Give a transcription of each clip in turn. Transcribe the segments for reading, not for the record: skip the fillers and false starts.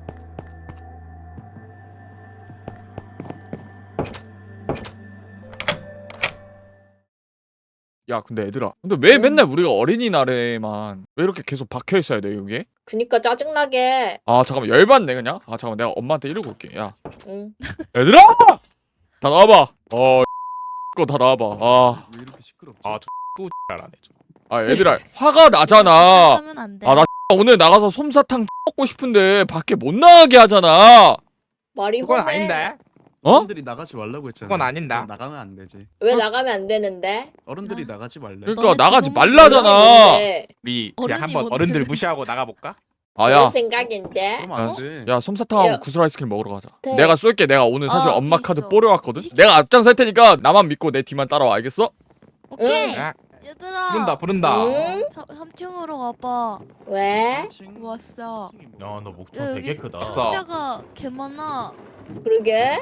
야 근데 얘들아, 근데 왜 맨날 우리가 어린이날에만 왜 이렇게 계속 박혀있어야 돼 여기에? 그니까 짜증나게. 아 잠깐만 열받네 그냥. 아 잠깐만 내가 엄마한테 이러고 올게. 야 응. 얘들아! 다 나와봐. 거 다 나와봐. 왜 이렇게 시끄럽지? 또 잘하네 좀. 얘들아 화가 나잖아. 하면 안 돼. 나 오늘 나가서 솜사탕 먹고 싶은데 밖에 못 나가게 하잖아. 말이 그건 험해. 아닌데. 어른들이 나가지 말라고 했잖아. 그건 아닌다. 나가면 안 되지. 왜 나가면 안 되는데? 어른들이 나가지 말래. 그러니까 너네 나가지 부모님 말라잖아. 왜? 우리 그냥 어른이 한번 뭔데? 어른들 무시하고 나가볼까? 그런 야, 생각인데. 그러면 안 돼. 야 솜사탕하고 야. 구슬 아이스크림 먹으러 가자. 네. 내가 쏠게. 내가 오늘 사실 엄마 있어. 카드 뽀려왔거든. 내가 앞장 설 테니까 나만 믿고 내 뒤만 따라와. 알겠어? 오케이. 야, 얘들아. 부른다. 응? 3층으로 와봐. 왜? 왔어. 야, 너 목청 야, 되게 여기 크다. 왔어. 상자가 개 많아. 그러게.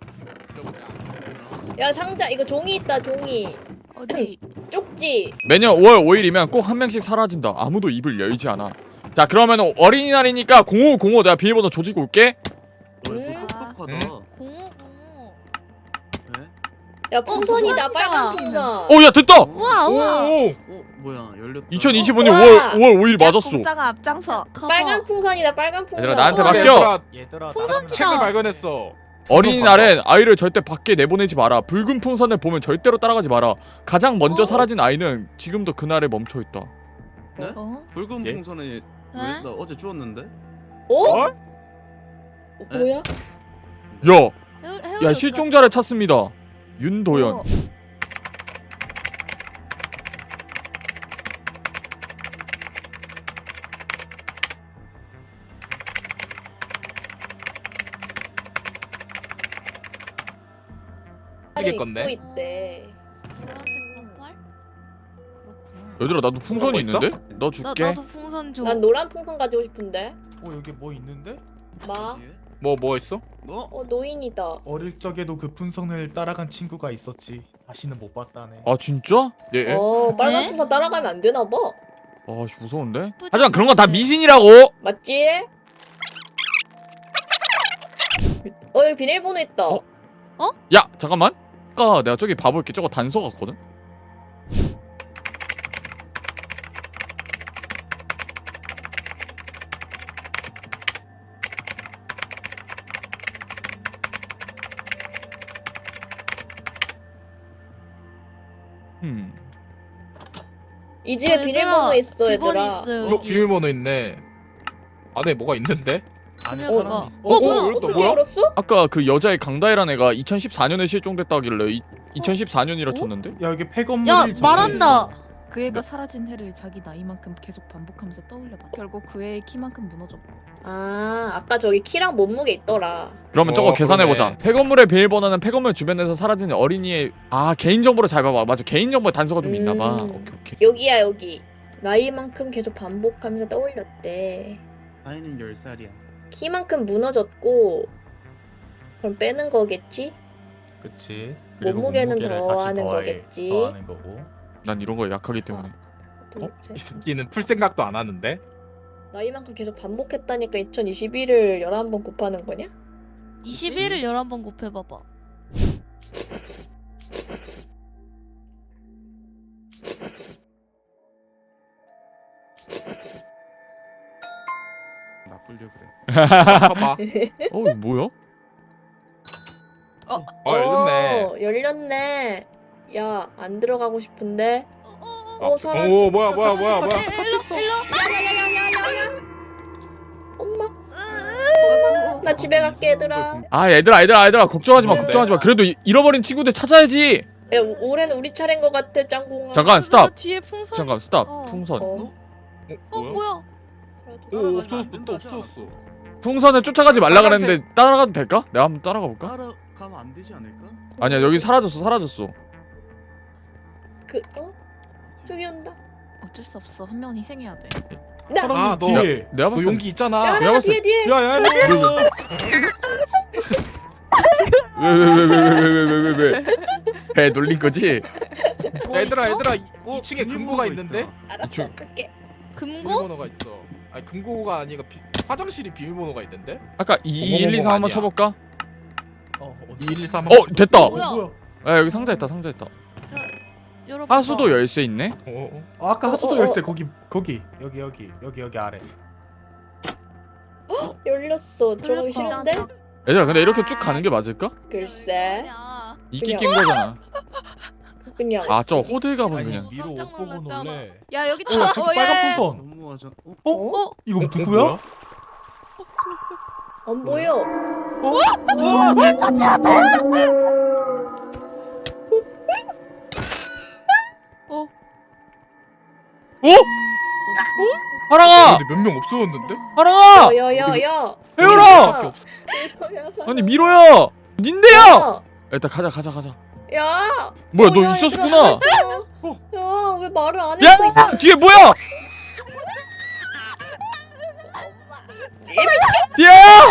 야 상자 이거 종이 있다 종이. 어디? 쪽지. 매년 5월 5일이면 꼭 한 명씩 사라진다. 아무도 입을 열지 않아. 자 그러면 어린이날이니까 0505 내가 비밀번호 조지고 올게. 응? 똑똑하다. 0505. 네? 야 풍선이다 풍선이다. 빨간 풍선. 야 됐다. 우와 우와. 오. 뭐야 열렸다. 2025년 우와. 5월 5일 맞았어. 공짜가 앞장서. 빨간 풍선이다 빨간 풍선. 얘들아, 나한테 우와. 맡겨. 얘들아, 풍선 나가면- 책을 발견했어. 어린이날엔 아이를 절대 밖에 내보내지 마라. 붉은 풍선을 보면 절대로 따라가지 마라. 가장 먼저 사라진 아이는 지금도 그날에 멈춰 있다. 어? 붉은 예? 풍선에 왜? 네? 나 어제 주웠는데. 어? 뭐야? 야 실종자를 찾습니다. 윤도현. 어. 찍을 건데. 입고 있대. 얘들아 나도 풍선이 있어? 있는데? 너 줄게. 나도 풍선 줘. 난 노란 풍선 가지고 싶은데. 여기 뭐 있는데? 마. 예? 뭐 했어? 너? 노인이다. 어릴 적에도 그 풍선을 따라간 친구가 있었지. 다시는 못 봤다네. 아 진짜? 예. 빨간 네? 풍선 따라가면 안 되나 봐. 씨, 무서운데? 뿌듯한데. 하지만 그런 건 다 미신이라고. 맞지? 여기 비밀번호 있다. 어? 야 잠깐만. 아까 내가 저기 봐볼게. 저거 단서 같거든? 이 집에 비밀번호 있어 비밀번호 얘들아. 있어 어, 여기. 비밀번호 있네. 안에 뭐가 있는데? 안에 어, 사람이 있어. 뭐야? 어떻게 뭐야? 알았어? 아까 그 여자의 강다혜란 애가 2014년에 실종됐다길래 2014년이라 쳤는데? 야, 여기 폐건물이 야 적혀 말한다. 있어. 그 애가 사라진 해를 자기 나이만큼 계속 반복하면서 떠올려봐. 결국 그 애의 키만큼 무너져. 아까 저기 키랑 몸무게 있더라. 그러면 저거 계산해보자. 그러네. 폐건물의 비밀번호는 폐건물 주변에서 사라진 어린이의 개인정보를 잘 봐봐. 맞아 개인정보에 단서가 좀 있나봐. 오케이. 여기야 여기. 나이만큼 계속 반복하면서 떠올렸대. 아이는 10살이야. 키만큼 무너졌고 그럼 빼는 거겠지? 그치. 몸무게는 몸무게를 다시 더하는 거겠지. 더하는 거고. 난 이런 거에 약하기 때문에. 둘, 이 셋. 새끼는 풀 생각도 안 하는데? 나이만큼 계속 반복했다니까 2021을 11번 곱하는 거냐? 21을 11번 곱해봐봐. 나쁘려 그래. 봐봐. 이거 뭐야? 열렸네. 열렸네. 야, 안 들어가고 싶은데. 사람. 오 뭐야. 엄마. 나 집에 갈게 얘들아. 얘들아 걱정하지 마. 네. 걱정하지 마. 그래도 잃어버린 친구들 찾아야지. 야, 올해는 우리 차례인 것 같아 짱공아. 잠깐 스탑. 뒤에 풍선. 잠깐 스탑. 어. 풍선. 뭐야? 오 없어졌어. 또 없어졌어. 풍선을 쫓아가지 말라 그랬는데 따라가도 될까? 내가 한번 따라가 볼까? 따라가면 안 되지 않을까? 아니야 여기 사라졌어. 저기 온다. 어쩔 수 없어. 한 명은 희생해야 돼. 사람이 아, 너- 뒤에. 내가 너 봤을 때 용기 있잖아. 야, 내가 봤을 뒤에 뒤에. 야야. 왜 놀린 거지? 뭐 얘들아 있어? 2층에 금고가 있는데? 알았어, 갈게. 금고? 비밀번호가 있어. 아니 금고가 아니라 화장실이 비밀번호가 있는데? 아까 2 1 2 3 한번 아니야. 쳐볼까? 2113 됐다. 뭐야? 야 여기 상자 있다 상자 있다. 열어봐. 하수도 열쇠 있네. 아까 하수도 어, 열쇠 거기 여기 아래. 열렸어. 들어가기 열렸다. 싫은데? 얘들아 근데 이렇게 쭉 가는 게 맞을까? 글쎄. 아니야. 이끼 그냥- 낀 거잖아. 그냥. 아 저 호들갑은 아니 그냥. 미로 깜짝 옷 보고 놀랐잖아. 놀래. 야 여기 어 저기 빨간 예. 풍선. 너무하죠. 어? 이거 누구야? 안 보여. 어? 하랑아! 근데 몇 명 없어졌는데? 하랑아! 야야야. 해열아! 아니 미로야! 닌데야! 일단 가자. 야. 뭐야 너 야, 있었구나. 야, 왜 말을 안 야! 했어? 이상. 뒤에 뭐야! 뒤야!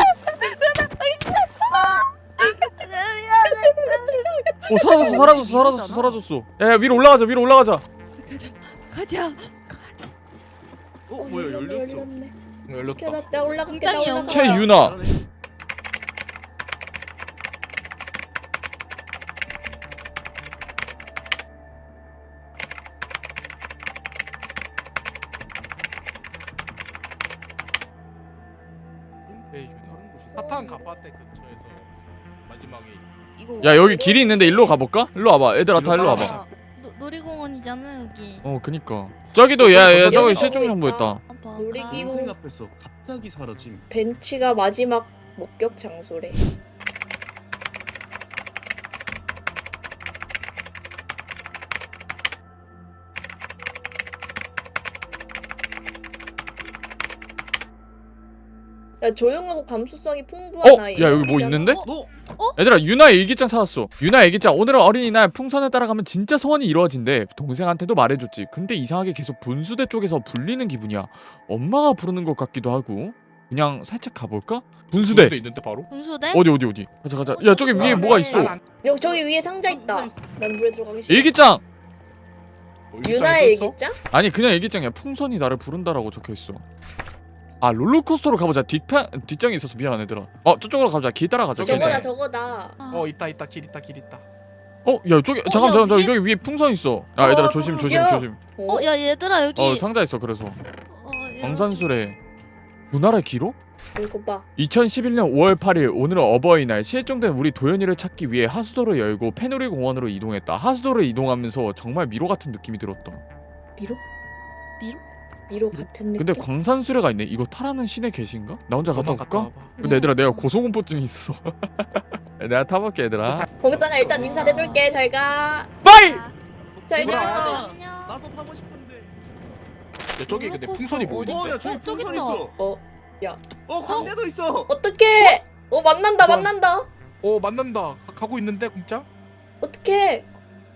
사라졌어. 야 위로 올라가자. 가자. 뭐야 열렸어. 열렸네. 열렸다. 오케이, 나 올라갈게. 공장이 나 올라가. 최유나. 잘하네. 사탕 가파테 근처에서 마지막에 이거 야 여기 길이 있는데 일로 가볼까? 일로 와봐. 얘들아 다 일로 와봐. 아, 놀이공원이잖아 여기. 그니까. 저기도 야 저기 여기 실종 정보 있다. 있다. 봐봐. 놀이기구. 동생 앞에서 갑자기 사라짐. 벤치가 마지막 목격 장소래. 야 조용하고 감수성이 풍부한 아이. 야 여기 뭐 여기잖아. 있는데? 너 얘들아 유나 일기장 찾았어. 유나 일기장 오늘은 어린이날 풍선을 따라가면 진짜 소원이 이루어진대. 동생한테도 말해줬지. 근데 이상하게 계속 분수대 쪽에서 불리는 기분이야. 엄마가 부르는 것 같기도 하고. 그냥 살짝 가볼까? 분수대. 있는데 바로? 분수대? 어디 가자. 야 저기 위에 뭐가 있어. 여기 저기 위에 상자 있다. 난 물에 들어가기 싫어. 일기장. 유나의 일기장? 아니 그냥 일기장이야. 풍선이 나를 부른다라고 적혀있어. 아 롤러코스터로 가보자. 뒷장이 있어서 미안 얘들아. 저쪽으로 가자. 길 따라가자. 저거네. 저거다 저거다. 아, 있다 길 있다. 야 저기 잠깐 야, 위에? 저기 위에 풍선 있어. 야 얘들아 조심. 야. 어, 야 얘들아 여기. 상자 있어. 그래서 어, 광산술에 문화의 기록? 이거 봐. 2011년 5월 8일 오늘은 어버이날. 실종된 우리 도연이를 찾기 위해 하수도를 열고 페누리 공원으로 이동했다. 하수도를 이동하면서 정말 미로 같은 느낌이 들었다. 미로? 미로? 미로 같은 느낌. 근데 광산수레가 있네. 이거 타라는 신의 계신가? 나 혼자 갔다 너만 올까? 와봐. 근데 얘들아 내가 고소공포증이 있어서 내가 타볼게 얘들아. 거기다가 일단 인사해둘게. 잘 가. 빠이! 잘 뭐야? 가. 안녕. 나도 타고 싶은데. 야 저기 근데 롤러코스터 풍선이 뭐 어디? 있는데? 야 저기 저기 풍선 있다. 있어. 야. 광대도 있어. 어떡해. 만난다 뭐야? 만난다. 만난다. 가고 있는데 공짜? 어떡해.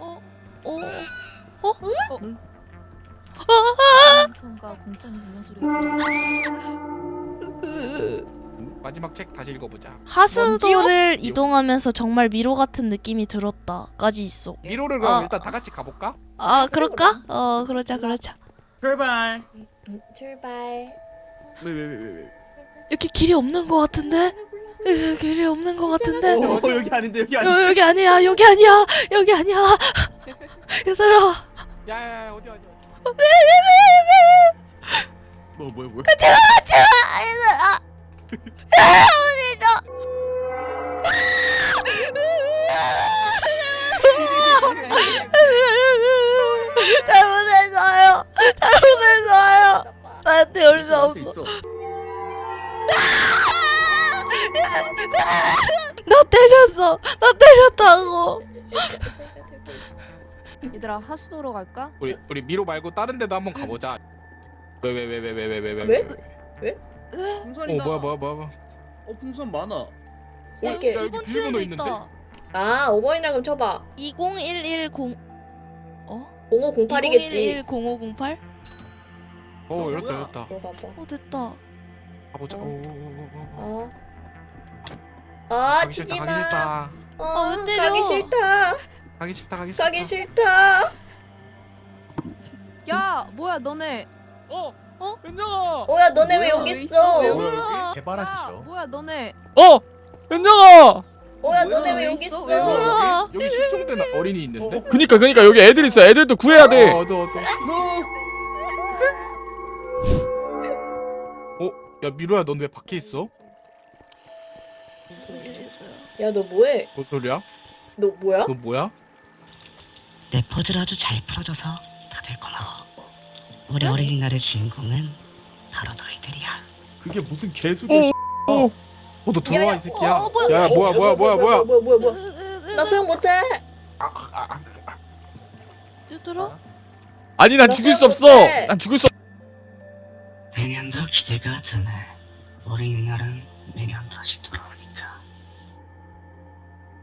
풍선과 공짜니 불는 소리가 마지막 책 다시 읽어보자. 하수도를 이동하면서 정말 미로 같은 느낌이 들었다까지 있어. 미로를 그럼 어. 일단 다 같이 가볼까? 아 그럴까? 그러자. 출발. 출발. 왜? 여기 길이 없는 것 같은데? 길이 없는 것 같은데? 여기 아닌데 여기 아닌데. 여기 아니야. 얘들아. 야야야 어디야? 뭐야? 얘들아. 잘못했어요. 나한테 올 수 나한테 없어. 있어. 나 때렸다고. 얘들아 하수도로 갈까? 우리 미로 말고 다른 데도 한번 가보자. 왜? 풍선이다. 뭐야? 풍선 많아. 쓸게. 야, 여기 이번 비밀번호 층에도 있는데? 있다. 아, 오버이나 그럼 쳐봐. 20110 0508이겠지. 0508? 열었다. 이거 봐봐. 됐다. 가보자. 아, 치지 마. 싫다. 왜 때려? 가기 싫다. 가기 싫다. 야 뭐야 너네 현정아. 오야 너네 왜 여기 있어? 왜 얘들아. 해바라기셔. 뭐야 너네 현정아. 오야 뭐야, 너네 왜 왜 여기 있어? 있어? 왜 그래? 얘들아. 여기 실종된 어린이 있는데? 그니까 여기 애들 있어. 애들도 구해야 돼. 어두. 야 미로야 넌 왜 밖에 있어? 야 너 뭐해? 뭔 소리야? 너 뭐야? 너 뭐야? 내 퍼즐 아주 잘 풀어줘서 다들 고마워. 우리 어린이날의 주인공은 바로 너희들이야. 그게 무슨 개소리야. 너 들어와 이 새끼야. 어, 뭐야? 야 뭐야. 뭐야? 나 수영 못해. 얘들아. 아니 난 나 죽일 수 수영 없어. 못해. 난 죽일 수. 매년 더 기대가 되네. 어린이날은 매년 다시 돌아.